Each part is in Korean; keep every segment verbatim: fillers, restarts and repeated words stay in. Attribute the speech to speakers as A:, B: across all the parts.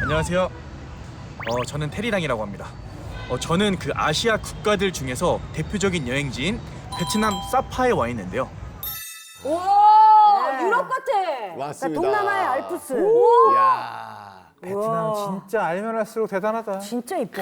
A: 안녕하세요. 어, 저는 테리랑이라고 합니다. 어, 저는 그 아시아 국가들 중에서 대표적인 여행지인 베트남 사파에 와 있는데요.
B: 오, 유럽 같아.
C: 맞습니다.
B: 그러니까 동남아의 알프스.
C: 이야.
D: 베트남
B: 우와.
D: 진짜 알면 할수록 대단하다.
B: 진짜 이뻐.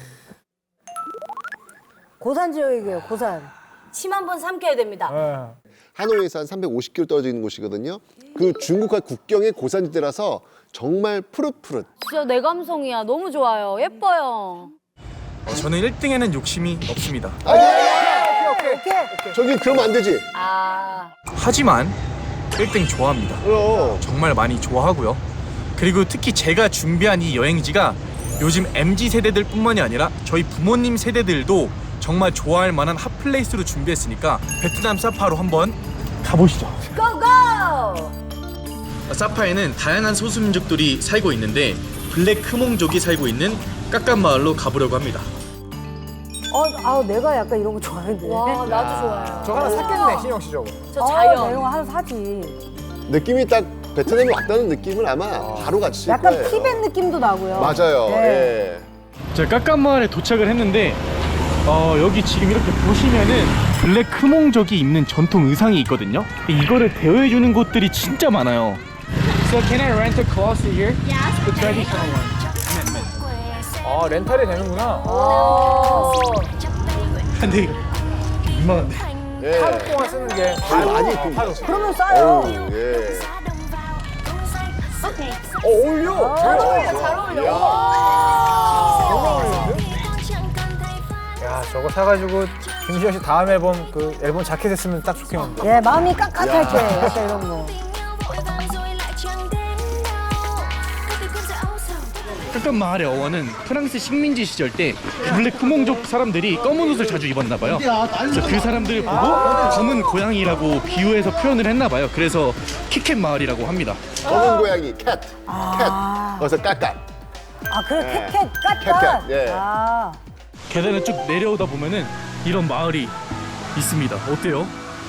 B: 고산 지역이에요, 고산. 침 한 번 삼켜야 됩니다.
D: 예.
C: 하노이에서 한 삼백오십 킬로미터 떨어져 있는 곳이거든요. 그 중국과 국경의 고산지대라서 정말 푸릇푸릇.
E: 진짜 내 감성이야. 너무 좋아요. 예뻐요.
A: 어, 저는 일 등에는 욕심이 없습니다.
C: 아니,
B: 오케이, 오케이.
C: 저기 그러면 안 되지.
E: 아.
A: 하지만 일 등 좋아합니다.
C: 그럼.
A: 정말 많이 좋아하고요. 그리고 특히 제가 준비한 이 여행지가 요즘 엠지 세대들 뿐만이 아니라 저희 부모님 세대들도 정말 좋아할 만한 핫플레이스로 준비했으니까 베트남 사파로 한번 가보시죠.
B: 고고!
A: 사파에는 다양한 소수민족들이 살고 있는데 블랙 크몽족이 살고 있는 깎깐 마을로 가보려고 합니다.
B: 어, 아, 내가 약간 이런 거 좋아하는데.
E: 와, 나도 좋아요.
D: 저 하나 샀겠네, 신영 씨 저거.
E: 저
B: 아,
E: 자연.
B: 나 이런 거 하나 사지.
C: 느낌이 딱 베트남에 왔다는 느낌을 아마 바로 같이
B: 약간
C: 거예요.
B: 티벳 느낌도 나고요.
C: 맞아요.
B: 네.
C: 예.
A: 제가 깎깐 마을에 도착을 했는데 어, 여기 지금 이렇게 보시면은 블랙 크몽족이 입는 전통 의상이 있거든요. 이거를 대여해주는 곳들이 진짜 많아요.
D: So can I rent a cloth here? Yes. The traditional one. 아, 렌탈이 되는구나.
B: 어.
A: 근데 민망한데.
C: 예.
D: 하루 동안 쓰는 게
C: 아, 많이 입힌
D: 하루.
C: 거죠.
B: 그러면 싸요.
C: 어우, 예.
D: 어, 어울려.
B: 잘 어울려, 잘 어울려.
D: 야, 저거 사가지고 김시영 씨 다음 앨범 그 앨범 자켓 했으면 딱 좋겠는데.
B: 예, 마음이 깍깍할 때 약간 이런 거.
A: 깎깐 마을의 어원은 프랑스 식민지 시절 때 블랙 크몽족 사람들이 검은 옷을 자주 입었나 봐요. 그래서 그 사람들을 보고 검은 고양이라고 비유해서 표현을 했나 봐요. 그래서 키캣 마을이라고 합니다.
C: 검은 고양이 캣.
B: 아.
C: 캣. 그래서 깎깐.
B: 아, 그래,
C: 예.
B: 캣캣, 깍깍.
C: 캣캣, 예.
B: 아.
A: 계단을 쭉 내려오다 보면은 이런 마을이 있습니다. 어때요?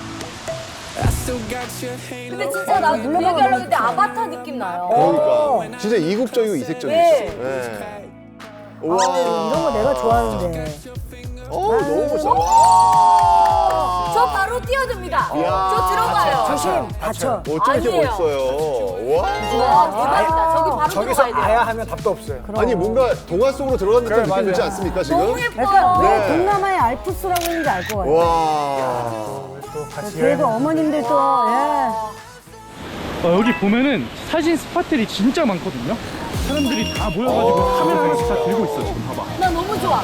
E: 근데 진짜 나
B: 눌러봐봐,
E: 얘기하려고 했는데
B: 진짜.
E: 아바타 느낌 나요.
C: 그러니까 진짜 이국적이고 이색적이죠.
E: 네.
C: 예.
B: 아, 이런 거 내가 좋아하는데.
C: 어, 너무 멋있어. 와.
E: 저 바로 뛰어듭니다.
C: 이야.
E: 저 들어가요.
B: 조심, 다쳐.
C: 어쩜 이렇게
E: 아니에요.
C: 멋있어요. 와.
E: 와, 대박이다. 저기 바로
D: 저기서
E: 들어가야 돼요.
D: 아야 하면 답도 없어요.
C: 아니 뭔가 동화 속으로 들어간 듯한
D: 그래,
C: 느낌 들지
D: 맞아요.
C: 않습니까 지금?
E: 너무 예뻐요.
B: 약간 왜
C: 네.
B: 동남아의 알프스라고 했는지 알 것 같아요.
C: 와.
D: 또 같이
B: 그래도
D: 여행.
B: 어머님들 또, 예.
A: 어, 여기 보면은 사진 스팟들이 진짜 많거든요. 사람들이 다 모여가지고 카메라 하나씩 다 들고 있어. 지금 봐봐.
E: 나 너무 좋아.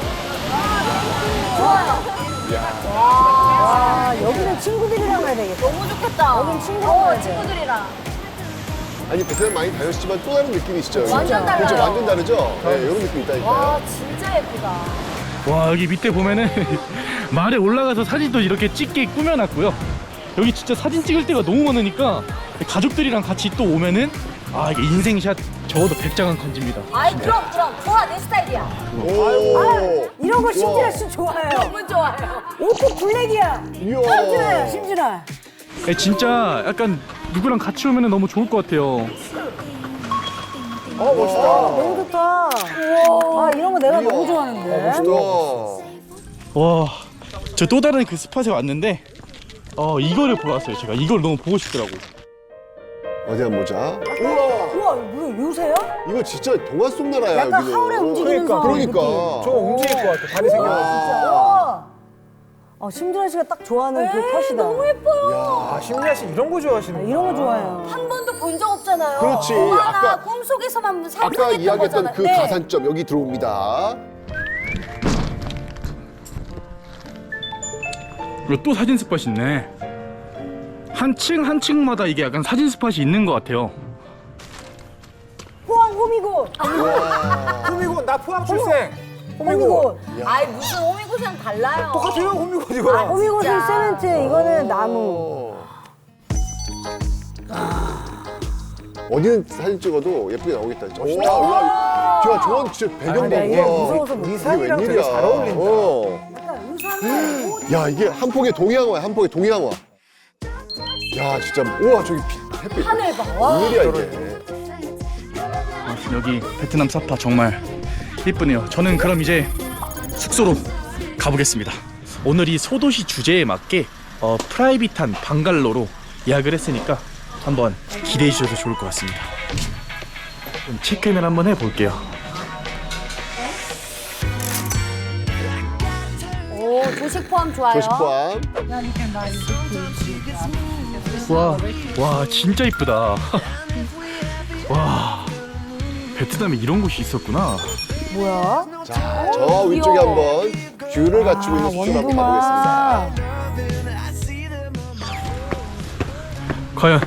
E: 좋아요.
B: 와, 여기는 친구들이랑 가야 되겠다.
E: 너무 좋겠다.
B: 여긴 친구랑
E: 어,
B: 가야 돼.
E: 친구들이랑.
C: 아니 베트남 많이 다녔지만 또 다른 느낌이시죠?
E: 완전 달라요.
C: 그렇죠, 완전 다르죠? 네, 이런 느낌 있다니까요.
E: 와, 진짜 예쁘다.
A: 와, 여기 밑에 보면은 말에 올라가서 사진도 이렇게 찍게 꾸며놨고요. 여기 진짜 사진 찍을 때가 너무 많으니까 가족들이랑 같이 또 오면은 아, 이게 인생샷 적어도 백 장은 건집니다.
E: 아이, 그럼, 그럼. 좋아, 내 스타일이야.
C: 오.
B: 이런 거 심진아
C: 우와.
B: 씨 좋아해요.
E: 너무 좋아요.
B: 옷도 블랙이야.
C: 이야.
B: 심진아야, 심진아.
A: 네, 진짜 약간 누구랑 같이 오면은 너무 좋을 것 같아요.
D: 어, 멋있다.
B: 너무 좋다. 아, 이런 거 내가 너무 좋아하는데.
C: 와.
A: 와, 저 또 다른 그 스팟에 왔는데 어, 이거를 보러 왔어요. 제가 이걸 너무 보고 싶더라고.
C: 어디 한번 보자.
B: 우와, 이거 요새야?
C: 이거 진짜 동화 속 나라야.
B: 약간
C: 여기는.
B: 하울의 움직이면서.
C: 그러니까.
D: 저거 움직일 것 같아. 다리 생겨가지고.
B: 우와. 어, 심진아 씨가 딱 좋아하는 그 컷이다.
E: 너무 예뻐요.
D: 아, 심리아 씨 이런 거 좋아하시는
B: 이런 거 좋아해요.
E: 한 번도 본 적 없잖아요.
C: 그렇지.
E: 동화나
C: 아까-
E: 꿈속에서만
C: 아까
E: 상상했던
C: 이야기했던
E: 거잖아요.
C: 그
E: 네.
C: 가산점 여기 들어옵니다.
A: 그리고 또 사진 스팟이 있네. 한 층 한 층마다 이게 약간 사진 스팟이 있는 것 같아요.
B: 포항 호미곶.
D: 호미곶, 나 포항 출생.
B: 호미곶.
E: 아이, 무슨 호미곶이랑 달라요.
D: 똑같아요, 호미곶 이거랑.
B: 호미곶
E: 진짜.
B: 세멘트, 이거는 나무.
C: 어. 어디는 사진 찍어도 예쁘게 나오겠다. 진짜. 멋있다. 야, 저, 저건 진짜 배경
B: 아, 나 이게
C: 봐.
B: 무서워서
C: 이게
D: 의상이랑 되게
C: 웬일이야.
D: 잘 어울린다.
C: 어.
B: 약간 의상이 옷.
C: 야, 이게 한 폭의 동양화야, 한 폭의 동양화. 야, 진짜. 우와, 저기 비- 햇빛.
E: 하늘 봐. 와.
C: 웬일이야, 이게.
A: 여기 베트남 사파 정말 이쁘네요. 저는 그럼 이제 숙소로 가보겠습니다. 오늘 이 소도시 주제에 맞게 어, 프라이빗한 방갈로로 예약을 했으니까 한번 기대해 주셔도 좋을 것 같습니다. 그럼 체크인을 한번 해볼게요.
E: 오, 조식 포함 좋아요.
C: 조식 포함.
A: 와, 와 진짜 이쁘다. 와, 베트남에 이런 곳이 있었구나.
B: 뭐야?
C: 자, 저 위쪽에 한번 뷰를 갖추고 있는 숙소로 한번 가보겠습니다.
A: 과연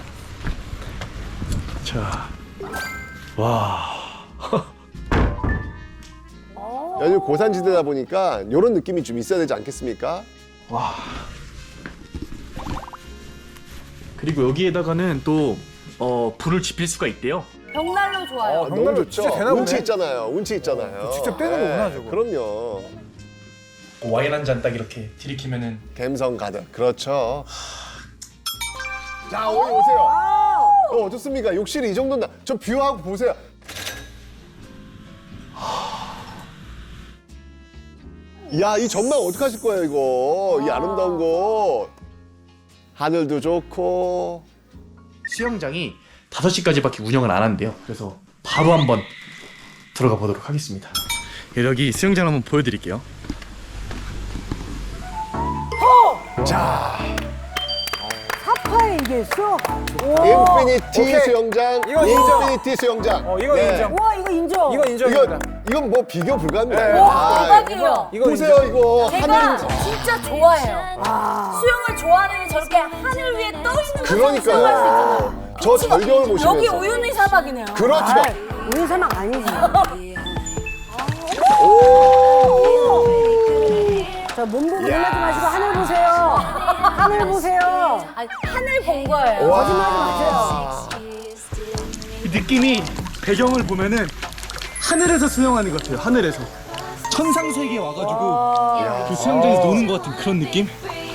A: 자, 와.
C: 여기 고산지대다 보니까 이런 느낌이 좀 있어야 되지 않겠습니까?
A: 와. 그리고 여기에다가는 또 어, 불을 지필 수가 있대요.
E: 벽난로 좋아요.
C: 아,
D: 정말로
C: 너무 좋죠.
D: 진짜 되나 보네.
C: 운치 있잖아요. 운치 있잖아요.
D: 직접 떼는 거구나, 저거.
C: 그럼요.
A: 와인 한 잔 딱 이렇게 들이키면은
C: 감성 가득. 그렇죠. 자, 오늘 오세요. 어, 어떻습니까? 욕실이 이 정도나. 저 뷰하고 보세요. 야, 이 전망 어떡하실 거예요, 이거? 이 아름다운 거. 하늘도 좋고.
A: 수영장이 다섯 시까지밖에 운영을 안 한대요. 그래서 바로 한번 들어가 보도록 하겠습니다. 여기 수영장 한번 보여드릴게요.
B: 사파에 이게 있어?
C: 인피니티
D: 오케이.
C: 수영장.
D: 이거 인정.
C: 인피니티 수영장.
D: 어, 이거
C: 네.
D: 인정.
B: 와, 이거 인정.
D: 이거 인정입니다.
C: 이건, 이건 뭐 비교 불가합니다.
D: 네.
E: 와,
C: 아,
E: 대박이에요.
D: 이거
C: 보세요,
D: 인정.
C: 이거.
E: 제가
C: 하늘이.
E: 진짜 좋아해요.
B: 아.
E: 수영을 좋아하는 저렇게 하늘 위에 떠 있는 거
C: 그러니까요.
E: 수영할 수 있잖아요.
C: 저 절경을 보시면서.
E: 여기 우유니 사막이네요.
C: 그렇죠.
B: 아, 우리 사막 아니지. 저 몸 보고 놀라지 마시고 하늘 보세요. 하늘 보세요.
E: 아니, 하늘 본 거예요.
C: 와.
B: 거짓말하지 마세요.
A: 느낌이 배경을 보면은 하늘에서 수영하는 것 같아요. 하늘에서 천상 세계에 와가지고 그 수영장에서 노는 것 같은 그런 느낌?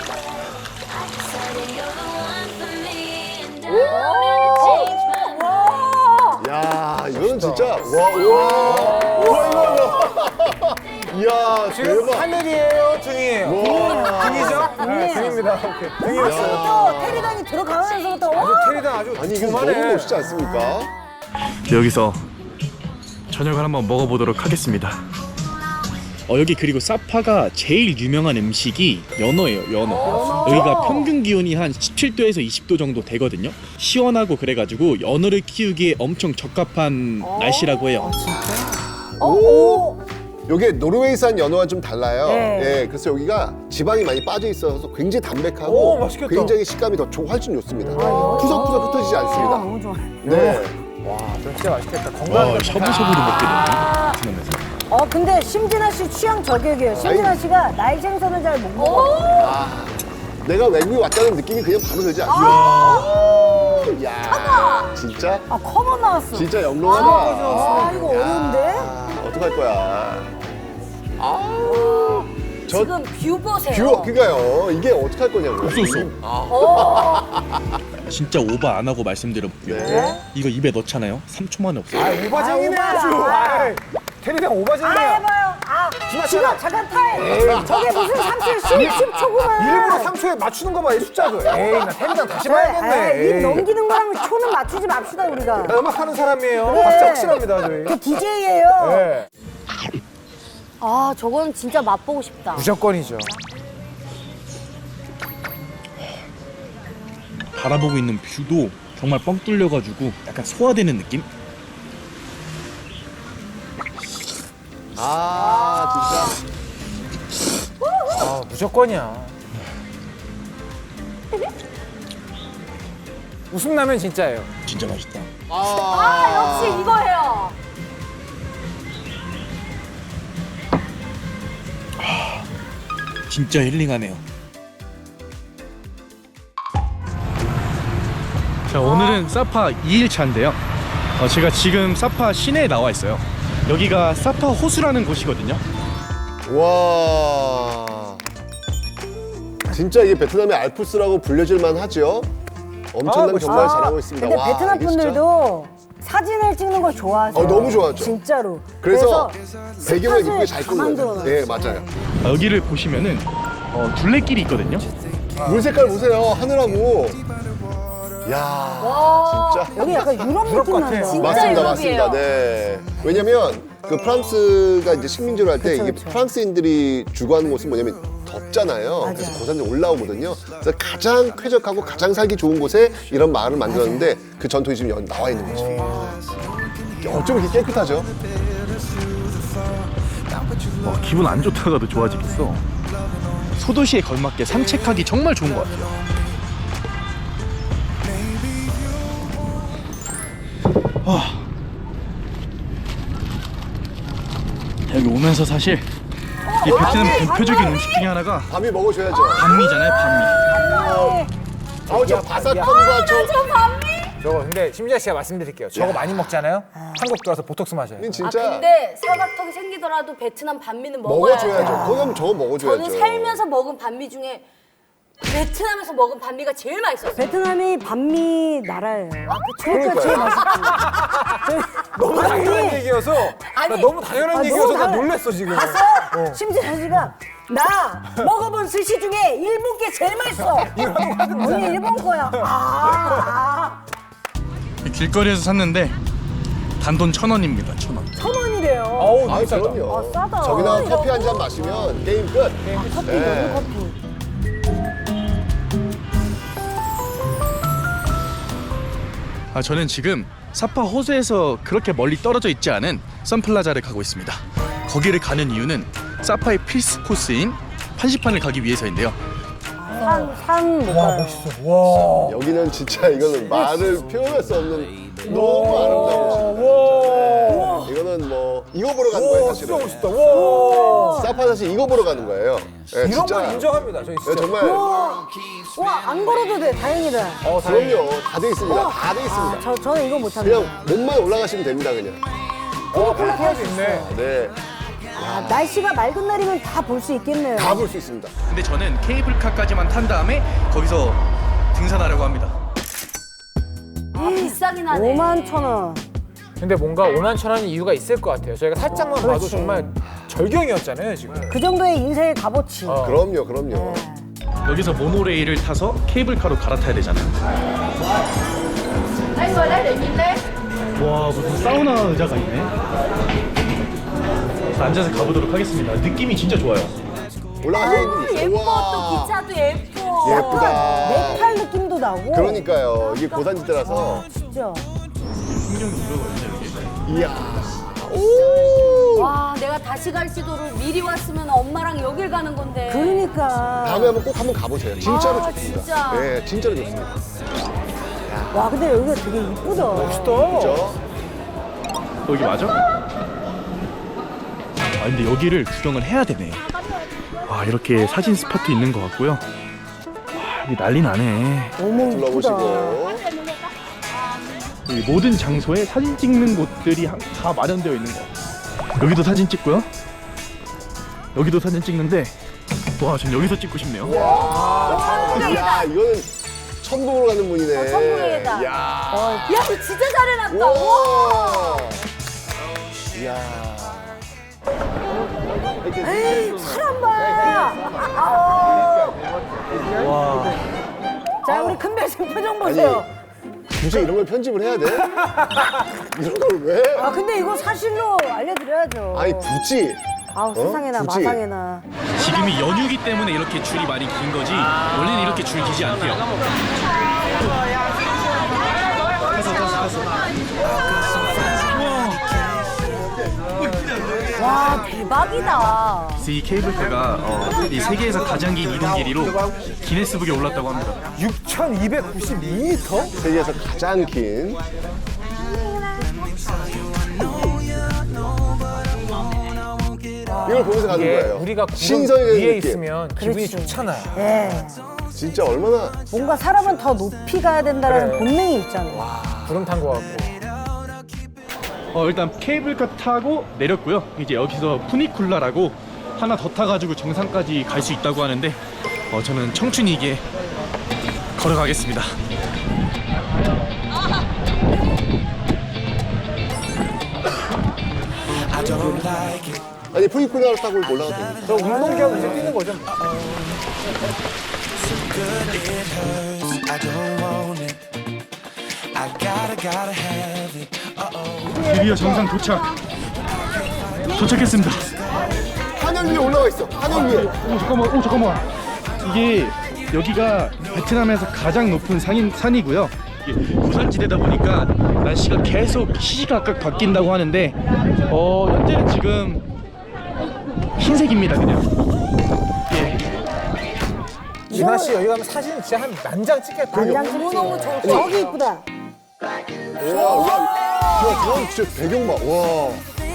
C: 야, 이거는 진짜. 와, 우와. 우와, 이거. 이야,
D: 지금
C: 대박.
D: 하늘이에요, 등이에요?
C: 와.
D: 등이죠? 네, 등입니다. 오케이. 등이었어요.
B: 또 테리단이 들어가면서부터 와.
D: 아주 테리단 아주
C: 아니, 이게 너무
D: 두툼하네.
C: 멋있지 않습니까?
A: 여기서 저녁을 한번 먹어보도록 하겠습니다. 어, 여기 그리고 사파가 제일 유명한 음식이 연어예요. 연어. 여기가 평균 기온이 한 십칠 도에서 이십 도 정도 되거든요. 시원하고 그래가지고 연어를 키우기에 엄청 적합한 날씨라고 해요.
B: 어, 오.
C: 요게 노르웨이산 연어와 좀 달라요.
B: 네.
C: 예, 그래서 여기가 지방이 많이 빠져 있어서 굉장히 담백하고
D: 오, 맛있겠다.
C: 굉장히 식감이 더 좋, 훨씬 좋습니다. 푸석푸석 흩어지지 않습니다.
B: 너무 좋아.
C: 네.
D: 와, 진짜 맛있겠다.
A: 와,
D: 건강하게.
A: 샤브샤브도 먹게 되네. 베트남에서.
B: 어, 근데 심진아 씨 취향 저격이에요. 심진아 씨가 나이 생선을 잘 못 먹어.
C: 아, 내가 외국에 왔다는 느낌이 그냥 바로 들지 않습니까? 야, 진짜,
B: 아, 커먼 나왔어.
C: 진짜 영롱하다.
B: 아, 이거 어려운데?
C: 아, 어떡할 거야. 아, 저
E: 지금 뷰 보세요.
C: 뷰, 그니까요. 이게 어떡할 거냐고요.
A: 없어. 진짜 오버 안 하고 말씀드려볼게요.
C: 네.
A: 이거 입에 넣잖아요. 삼 초 만에 없어요.
D: 아, 오바쟁이네
B: 아,
D: 아주.
B: 오바.
D: 아이, 테리단
B: 아,
D: 오바쟁이야.
B: 해봐요. 아, 지금
D: 지나쳐라.
B: 잠깐 타임. 저게 무슨 삼 초, 십 초구만.
D: 일부러 삼 초에 맞추는 거 봐, 이 숫자도. 에이, 나 테리단 다시 봐야겠네.
B: 입
D: 에이.
B: 넘기는 거랑 초는 맞추지 맙시다, 우리가.
D: 음악 하는 사람이에요.
B: 그래.
D: 박자 확실합니다, 저희.
B: 그 디제이예요.
D: 네,
E: 아, 저건 진짜 맛보고 싶다.
D: 무조건이죠.
A: 바라보고 있는 뷰도 정말 뻥 뚫려가지고 약간 소화되는 느낌?
C: 아, 진짜.
D: 아, 무조건이야. 웃음 나면 진짜예요.
A: 진짜 맛있다.
E: 아, 역시 이거예요.
A: 진짜 힐링하네요. 자, 오늘은 사파 이 일 차인데요. 어, 제가 지금 사파 시내에 나와 있어요. 여기가 사파 호수라는 곳이거든요.
C: 와. 진짜 이게 베트남의 알프스라고 불려질 만하죠. 엄청난
D: 아,
C: 경관을
B: 아,
C: 자랑하고 있습니다.
B: 근데
C: 와,
B: 베트남
C: 이게 진짜-
B: 분들도 사진을 찍는 걸 좋아하세요.
C: 어, 너무 좋아하죠.
B: 진짜로.
C: 그래서 배경을
B: 스팟을
C: 이쁘게 잘
B: 다
C: 꾸는 거예요.
B: 만들어놔요.
C: 네, 맞아요.
A: 아, 여기를 보시면은 어, 둘레길이 있거든요.
C: 물 색깔 보세요. 하늘하고. 야, 진짜.
B: 여기 약간 유럽 느낌 난다.
E: 진짜
C: 맞습니다,
E: 유럽이에요.
C: 맞습니다. 네. 왜냐면 그 프랑스가 이제 식민지로 할 때
B: 그쵸,
C: 이게
B: 그쵸.
C: 프랑스인들이 주거하는 곳은 뭐냐면 덥잖아요.
B: 맞아요.
C: 그래서 고산이 올라오거든요. 그래서 가장 쾌적하고 가장 살기 좋은 곳에 이런 마을을 만들었는데 그 전통이 지금 여기 나와 있는 거죠. 어쩜 이렇게 깨끗하죠?
A: 어, 기분 안 좋다가도 좋아지겠어. 소도시에 걸맞게 산책하기 정말 좋은 것 같아요. 아. 여기 오면서 사실 이 베트남 대표적인 음식 중에 하나가
C: 밤이 먹어줘야죠.
A: 반미잖아요, 반미.
C: 아우, 저 바삭함과 저.
D: 저거 근데 심지아 씨가 말씀드릴게요. 저거 많이 먹잖아요. 한국 들어와서 보톡스 마셔요.
E: 아
C: 진짜
E: 근데 사각턱이 생기더라도 베트남 반미는 먹어야 돼요.
C: 먹어줘야죠. 그럼 저거 먹어줘야죠.
E: 저는 살면서 먹은 반미 중에 베트남에서 먹은 반미가 제일 맛있었어요.
B: 베트남이 반미 나라예요.
E: 아,
B: 그러니까 제일 맛있어요.
D: 너무 당연한 얘기여서 나
E: 아니,
D: 너무 당연한
B: 아, 너무
D: 얘기여서 나
B: 당연-
D: 놀랬어 지금.
B: 봤어요? 심지어 씨가 나 먹어본 스시 중에 일본 게 제일 맛있어. 언니 일본 거야. 아,
A: 길거리에서 샀는데 단돈 천 원입니다, 천 원.
B: 천 원이래요.
D: 어우
C: 아,
D: 너무 싸다.
C: 그럼요.
B: 아, 싸다.
C: 저기다가
B: 이거
C: 커피 한 잔 마시면 게임 끝.
B: 커피
C: 네.
B: 너무 커피.
A: 아, 저는 지금 사파 호수에서 그렇게 멀리 떨어져 있지 않은 선플라자를 가고 있습니다. 거기를 가는 이유는 사파의 필수 코스인 판시판을 가기 위해서인데요.
B: 산, 산 못
D: 와
B: 가요.
D: 멋있어. 와.
C: 여기는 진짜 이거는 말을 표현할 수 없는 너무 아름다운 곳입니다.
D: 와.
C: 네. 이거는 뭐 이거 보러 가는 거예요,
D: 와 진짜
C: 사실은.
D: 멋있다. 와.
C: 사파 사실 이거 보러 가는 거예요. 네,
D: 이런
C: 진짜.
D: 건 인정합니다. 저희
C: 네,
D: 진짜.
C: 정말
B: 와, 안 걸어도 돼. 다행이다.
D: 어, 다행이다.
C: 그럼요. 다 돼 있습니다. 다 돼 있습니다.
B: 아, 저, 저는 이거 못합니다.
C: 그냥 몸만 올라가시면 됩니다, 그냥.
D: 어, 폴라파이도 있네.
C: 네,
B: 아, 날씨가 맑은 날이면 다 볼 수 있겠네요.
C: 다 볼 수 있습니다.
A: 근데 저는 케이블카까지만 탄 다음에 거기서 등산하려고 합니다.
E: 아, 비싸긴 하네.
B: 오만 천 원.
D: 근데 뭔가 오만 천 원이 이유가 있을 것 같아요. 저희가 살짝만 봐도
B: 그렇지.
D: 정말 절경이었잖아요 지금.
B: 그 정도의 인생의 값어치.
D: 어.
C: 그럼요, 그럼요.
A: 여기서 모노레일을 타서 케이블카로 갈아타야 되잖아요. 와, 무슨 사우나 의자가 있네. 앉아서 가보도록 하겠습니다. 느낌이 진짜 좋아요.
C: 올라가시는
E: 아,
C: 분이
E: 예뻐.
C: 우와.
E: 또 기차도 예뻐.
C: 예쁘다.
B: 네팔 느낌도 나고.
C: 그러니까요. 이게 고산지대라서.
B: 진짜.
C: 이야.
E: 와, 내가 다시 갈 지도를 미리 왔으면 엄마랑 여길 가는 건데.
B: 그러니까.
C: 다음에 한번 꼭 한번 가보세요. 진짜로
E: 아,
C: 좋습니다.
E: 진짜.
C: 네, 진짜로 좋습니다.
B: 와, 근데 여기가 되게 이쁘다.
D: 멋있다.
C: 그렇죠?
A: 여기 맞아? 아, 근데 여기를 구경을 해야 되네. 아, 이렇게 사진 스팟도 있는 것 같고요. 와, 여기 난리 나네.
B: 너무 이쁘다.
C: 둘러보시고.
A: 이 모든 장소에 사진 찍는 곳들이 한- 다 마련되어 있는 거. 여기도 사진 찍고요. 여기도 사진 찍는데, 와, 전 여기서 찍고 싶네요.
C: 야, 이거는 천국으로 가는 분이네.
E: 어, 천국이다.
C: 야.
E: 야, 너 진짜 잘해놨다.
C: 와. 이야.
B: 사람 봐. 아우.
A: 와,
B: 자, 우리 큰별생 표정 보세요.
C: 굳이 이런 걸 편집을 해야 돼? 이런 걸 왜?
B: 아, 근데 이거 사실로 알려드려야죠.
C: 아니, 굳이.
B: 아우, 세상에나
C: 굳이.
B: 마상에나.
A: 지금이 연휴기 때문에 이렇게 줄이 많이 긴 거지, 원래는 이렇게 줄 기지 않대요.
E: 와, 대박이다.
A: 그래서 이 케이블카가 어, 이 세계에서 가장 긴 이동 길이로 기네스북에 올랐다고 합니다.
D: 육천이백구십이 미터?
C: 세계에서 가장 긴. 이걸 보면서 가는
D: 이게
C: 거예요.
D: 우리가 구름
C: 신선이
D: 위에
C: 느낌.
D: 있으면 기분이
B: 그렇지.
D: 좋잖아요.
B: 예.
C: 진짜 얼마나.
B: 뭔가 사람은 더 높이 가야 된다는
D: 그래.
B: 본능이 있잖아.
D: 구름 탄 것 같고.
A: 어, 일단 케이블카 타고 내렸고요. 이제 여기서 푸니쿨라라고 하나 더 타가지고 정상까지 갈 수 있다고 하는데, 어, 저는 청춘이기에 걸어가겠습니다.
C: 아니 프리쿠나를 타고 올라가도 됩니다.
D: 저 운동기하고 이제 뛰는 거죠.
A: 드디어 정상 도착. 도착했습니다.
C: 하늘 위에 올라가 있어. 하늘 위에.
A: 오 잠깐만, 오 잠깐만. 이게 여기가 베트남에서 가장 높은 산인, 산이고요. 이게 고산지대다 보니까 날씨가 계속 시시각각 바뀐다고 하는데 어 현재는 지금 흰색입니다 그냥.
D: 진아 씨 여기 가면 사진 진짜 한 만장 찍겠다.
B: 단장 너무 좋을 저기 이쁘다.
C: 와, 와, 야, 저건 진짜 배경 봐. 와.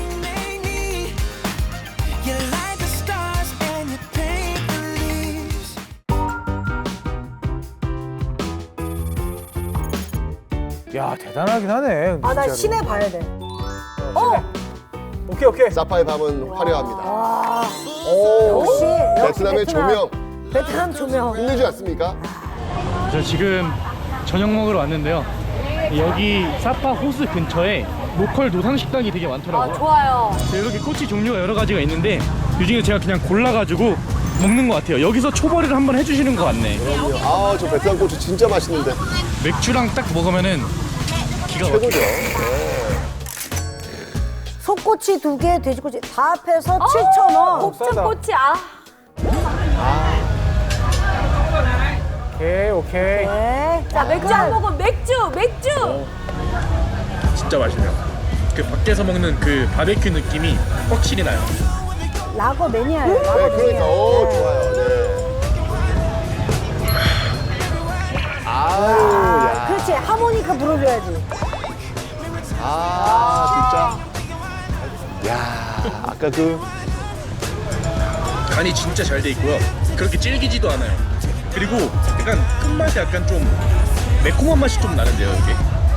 D: 야 대단하긴 하네.
B: 아 나
D: 진짜로.
B: 시내 봐야 돼. 어
D: 오케이 오케이.
C: 사파의 밤은 화려합니다.
D: 오.
B: 역시 역시
C: 베트남의 조명
B: 베트남 조명.
C: 힘들지 않습니까?
A: 저 지금 저녁 먹으러 왔는데요. 여기 사파 호수 근처에 로컬 노상 식당이 되게
E: 아
A: 많더라고요.
E: 좋아요.
A: 이렇게 꼬치 종류가 여러 가지가 있는데 이 중에 제가 그냥 골라가지고 먹는 것 같아요. 여기서 초벌이를 한번 해주시는 것 같네.
C: 아, 저 베트남 고추 진짜 맛있는데.
A: 맥주랑 딱 먹으면은 기가 막혀.
C: 최고죠.
B: 소꼬치 두 개, 돼지꼬치 다 합해서 칠천 원.
E: 곱창꼬치 아.
D: 오케이 오케이.
B: 네.
E: 자 맥주 한 모금 맥주 맥주.
A: 진짜 맛있네요. 그 밖에서 먹는 그 바베큐 느낌이 확실히 나요.
B: 라거 매니아예요. 라거
C: 네, 그러니까.
B: 매니아.
C: 오, 좋아요. 네. 아유,
B: 아,
C: 야.
B: 그렇지. 하모니카 불어줘야지.
C: 아, 진짜. 야, 아까 그.
A: 간이 진짜 잘 돼 있고요. 그렇게 질기지도 않아요. 그리고 약간 끝맛이 약간 좀 매콤한 맛이 좀 나는데요, 이게.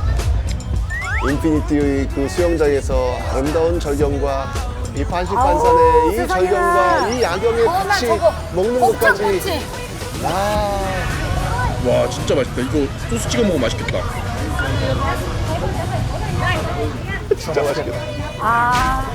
C: 인피니티 그 수영장에서 아름다운 절경과 이 반식반산의
B: 아우,
C: 이
B: 세상에나.
C: 절경과 이 야경에
E: 어, 나
C: 같이
E: 저거
C: 먹는 것까지.
E: 곱창꼬치.
C: 아,
A: 와, 진짜 맛있다. 이거 소스 찍어 먹으면 맛있겠다.
C: 진짜 맛있겠다.
B: 아,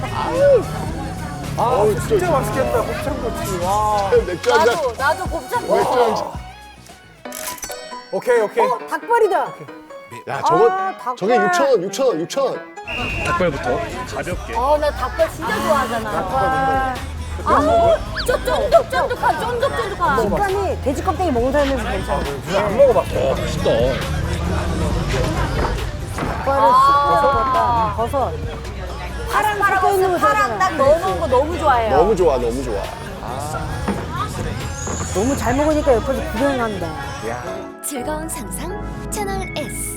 D: 아 진짜 맛있겠다. 곱창꼬치. 와.
C: 맥주 한 잔.
E: 나도 나도 곱창꼬치.
C: 맥주 한 잔.
D: 오케이 오케이.
B: 어, 닭발이다.
C: 야, 저거,
B: 아, 닭발.
C: 저게 육천 원, 육천 원, 육천 원.
A: 닭발부터 가볍게.
E: 어나 닭발 진짜 좋아하잖아. 아우 저 쫀득쫀득한 쫀득쫀득한.
B: 식감이 돼지 껍데기 먹는 사람에서 괜찮아.
D: 안 먹어봤어.
A: 와, 맛있다.
B: 닭발을 씹어서 다 버섯. 파랑 섞여 있는 거
E: 파랑
B: 좋아하잖아.
E: 딱 넣어놓은 거 너무 좋아해요.
C: 너무 좋아, 너무 좋아.
B: 너무 잘 먹으니까 옆에서 구경한다.
F: 즐거운 상상 채널 S.